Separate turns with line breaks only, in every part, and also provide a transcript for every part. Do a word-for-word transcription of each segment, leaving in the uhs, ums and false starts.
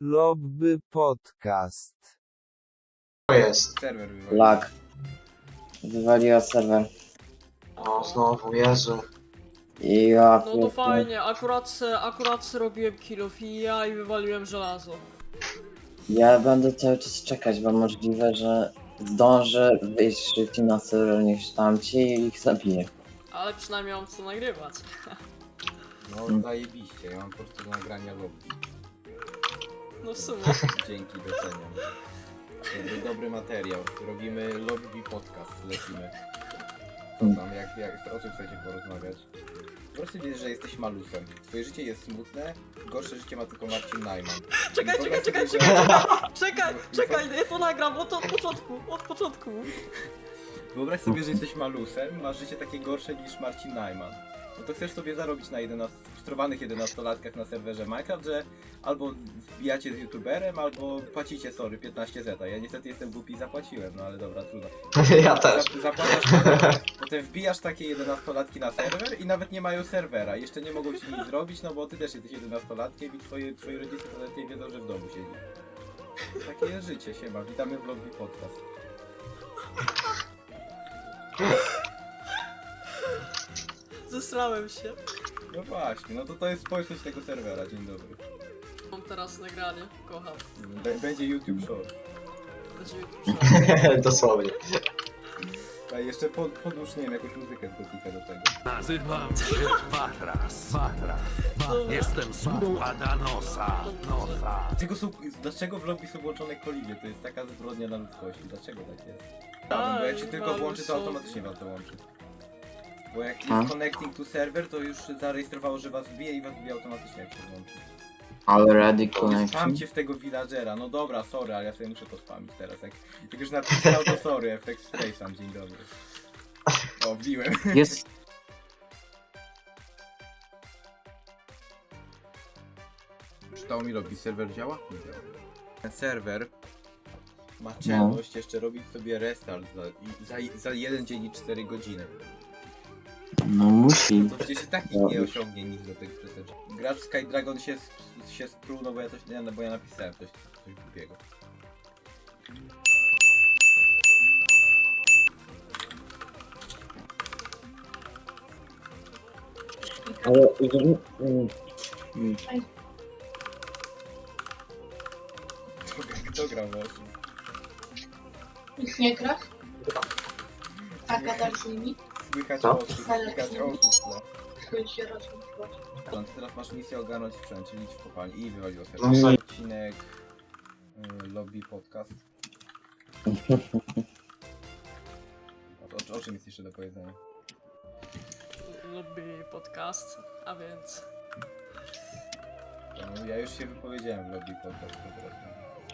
Lobby Podcast.
To jest.
Serwer wywalił.
Lag. Wywaliła serwer.
O, znowu, Jezu.
I ja...
No to fajnie, akurat se, akurat se robiłem kilofija i wywaliłem żelazo.
Ja będę cały czas czekać, bo możliwe, że zdążę wyjść szybciej na serwer niż tamci i ich zabiję.
Ale przynajmniej mam co nagrywać.
No zajebiście, ja mam po prostu do nagrania lobby.
No w sumie.
Dzięki, doceniam. To był dobry materiał. Robimy lobby podcast, lecimy. Co tam, jak, jak, o czym chcecie porozmawiać? Po prostu wiesz, że jesteś malusem. Twoje życie jest smutne, gorsze życie ma tylko Marcin Najman.
Czekaj,
I
czekaj,
wyobraź
czekaj,
sobie,
czekaj,
że-
czekaj, czekaj, ja to nagram od, od początku, od początku.
Wyobraź sobie, że jesteś malusem, masz życie takie gorsze niż Marcin Najman. No to chcesz sobie zarobić na jedenastu, frustrowanych jedenastolatkach na serwerze Minecraft, że albo wbijacie z youtuberem, albo płacicie, sorry, piętnaście zeta. Ja niestety jestem głupi i zapłaciłem, no ale dobra, trudno.
Ja też.
Zap- Zapłacasz, potem wbijasz takie jedenastolatki na serwer i nawet nie mają serwera. Jeszcze nie mogą ci nic zrobić, no bo ty też jesteś jedenastolatkiem i twoje, twoi rodzice to nawet nie wiedzą, że w domu siedzi. Takie jest życie, siema. Witamy w Lobby Podcast.
Zesrałem się.
No właśnie, no to to jest społeczność tego serwera, dzień dobry.
Mam teraz nagranie, kocham.
B- będzie YouTube Short.
Będzie YouTube.
Dosłownie.
A jeszcze pod, podłóż, nie wiem, jakąś muzykę z Gotika do tego.
Nazywam się Matras. Matras. Jestem sługą Adanosa. Nosa.
Dlaczego, są, dlaczego w lobby są włączone koliwie? To jest taka zbrodnia na ludzkości. Dlaczego tak jest? Prawda, bo jak się tylko
ale
włączy, to
są-
automatycznie was dołączy. Bo jak
A?
jest connecting to server, to już zarejestrowało, że was bije i was bije automatycznie, jak się włączy.
Already connection.
Spamcie w tego villagera. No dobra, sorry, ale ja sobie muszę to spamić teraz. Jak, jak już napisał, to sorry, efekt Space'am, dzień dobry. O, wbiłem.
Jest...
Czytało mi lobby, serwer działa? Nie działa. Ten serwer ma czelność jeszcze robić sobie restart za, i- za, za jeden dzień i cztery godziny.
No musi.
To przecież i tak nikt nie osiągnie nic do tego przeseczki. Gracz Skydragon się, sp- się spruł, no bo ja coś, nie, no bo ja napisałem coś, coś głupiego.
Ale... Mm, mm.
Kto, kto grał właśnie?
Nikt nie gra? A gadać z nimi?
Słychać
Co?
osób, słychać osób. No.
Chuj się rozmówiła.
No, to teraz masz misję ogarnąć sprzęt, czyli idź w kopalni i wywaliło sobie.
No, sorry.
Odcinek y, Lobby Podcast. O, o, o czym jest jeszcze do powiedzenia?
Lubię podcast, a więc...
No, ja już się wypowiedziałem w Lobby Podcast po prostu.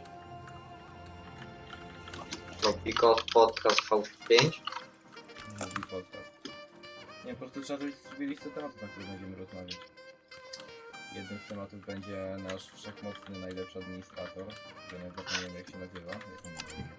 Lobby Podcast V pięć.
Lobby Podcast. Nie, po prostu trzeba zrobić sobie listę tematów, na które będziemy rozmawiać. Jednym z tematów będzie nasz wszechmocny, najlepszy administrator, że nawet nie wiem jak się nazywa. Jak on nazywa?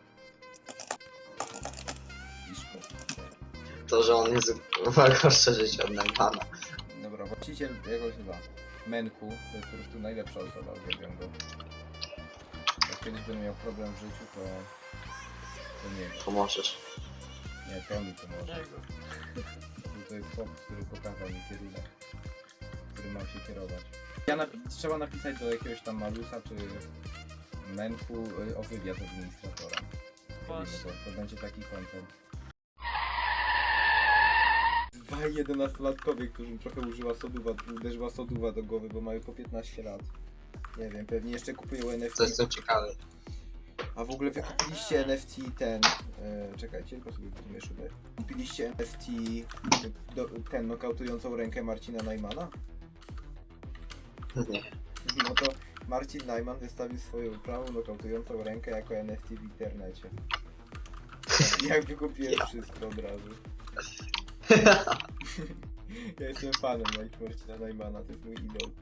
Iszko.
To, że on jest ma gorsze życie od Najmana.
Dobra, właściciel jakoś chyba Menku, to jest po prostu najlepsza osoba, uwielbiam go. Jak kiedyś będę miał problem w życiu, to... to nie wiem,
Pomożesz.
nie, to on mi pomoże.
Jego.
To jest chłop, który pokazał mi kierunek, którym mam się kierować. Ja napi trzeba napisać do jakiegoś tam Malusa czy Menku y, o wywiad administratora.
Właśnie.
To, to będzie taki content. Dwaj jedenastolatkowie, którym trochę użyła soduwa, uderzyła soduwa do głowy, bo mają po piętnaście lat. Nie wiem, pewnie jeszcze kupują N F T.
To jest to ciekawe.
A w ogóle wy kupiliście N F T ten... E, czekajcie, tylko sobie wytłumię szybę. Kupiliście N F T do, ten nokautującą rękę Marcina Najmana?
Nie.
No to Marcin Najman wystawił swoją prawą nokautującą rękę jako N F T w internecie. Jak wykupiłem wszystko od razu. Ja jestem fanem Marcina Najmana, to jest mój idol.